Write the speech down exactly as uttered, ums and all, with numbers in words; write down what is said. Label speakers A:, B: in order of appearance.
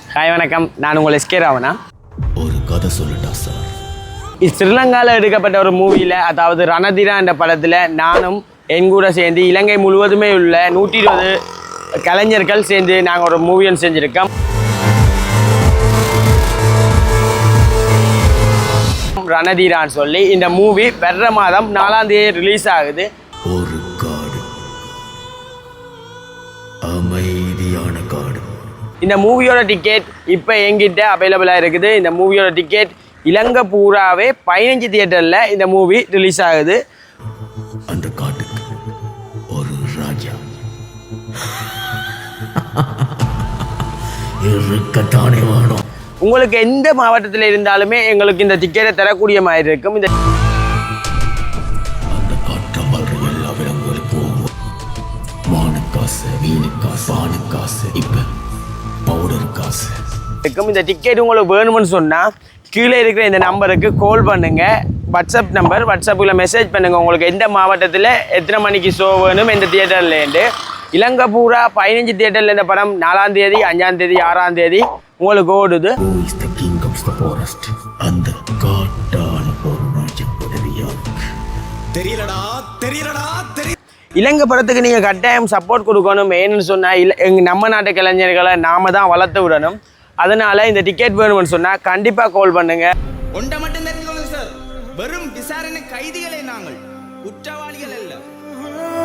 A: Hi வணக்கம், நான் உங்கள் எஸ்கே ராவணா.
B: ஒரு கதை சொல்லட்டா சார்?
A: இது ஸ்ரீலங்காவில் எடுக்கப்பட்ட ஒரு மூவியில், அதாவது ரணதீரா என்ற படத்தில் நானும் என் கூட சேர்ந்து இலங்கை முழுவதுமே உள்ள நூற்றி இருபது கலைஞர்கள் சேர்ந்து நாங்கள் ஒரு மூவியும் செஞ்சுருக்கோம். ரணதீரான்னு சொல்லி இந்த மூவி வர்ற மாதம் நாலாம் தேதி ரிலீஸ் ஆகுது.
B: ஒரு காடு, அமைதியான காடு.
A: இந்த மூவியோட டிக்கெட் இப்போ எங்கிட்ட அவைலபிளாக இருக்குது. இந்த மூவியோட டிக்கெட் இலங்கை பூராவே பதினஞ்சு தியேட்டரில் இந்த மூவி ரிலீஸ் ஆகுது.
B: அந்த காட்டுக்கு ஒரு ராஜா இருக்கத்தானே வேணும்.
A: உங்களுக்கு எந்த மாவட்டத்தில் இருந்தாலுமே எங்களுக்கு இந்த டிக்கெட்டை தரக்கூடிய மாதிரி இருக்கும். இந்த
B: அந்த காற்றம் வர்ற எல்லா விலங்குகளுக்கும் வானுக்காசு, வீணுக்காசு, வானுக்காசு, இப்போ பவுடர் காசு
A: இருக்கும். இந்த டிக்கெட் உங்களுக்கு வேணும்னு சொன்னால் கீழே இருக்கிற இந்த நம்பருக்கு கால் பண்ணுங்கள். வாட்ஸ்அப் நம்பர், வாட்ஸ்அப்பில் மெசேஜ் பண்ணுங்கள். உங்களுக்கு எந்த மாவட்டத்தில் எத்தனை மணிக்கு ஷோ வேணும், எந்த தியேட்டர்லேருந்து. இலங்கை பூரா பதினஞ்சு தியேட்டரில் இந்த படம் நாலாம் தேதி, அஞ்சாம் தேதி, ஆறாம் தேதி உங்களுக்கு ஓடுது.
B: அந்த காட்டான ஒரு ராஜ்யம் தெரியலடா தெரியலடா தெரிய
A: இலங்கை படத்துக்கு நீங்கள் கட்டாயம் சப்போர்ட் கொடுக்கணும். ஏன்னு சொன்னால் இல்லை எங்கள் நம்ம நாட்டு கலைஞர்களை நாம தான் வளர்த்து விடணும். அதனால் இந்த டிக்கெட் வேணும்னு சொன்னால் கண்டிப்பாக கால் பண்ணுங்கள்.
C: ஒன்றை மட்டும் தெரிஞ்சுக்கணும் சார், வெறும் விசாரணை கைதிகளே நாங்கள், குற்றவாளிகள் அல்ல.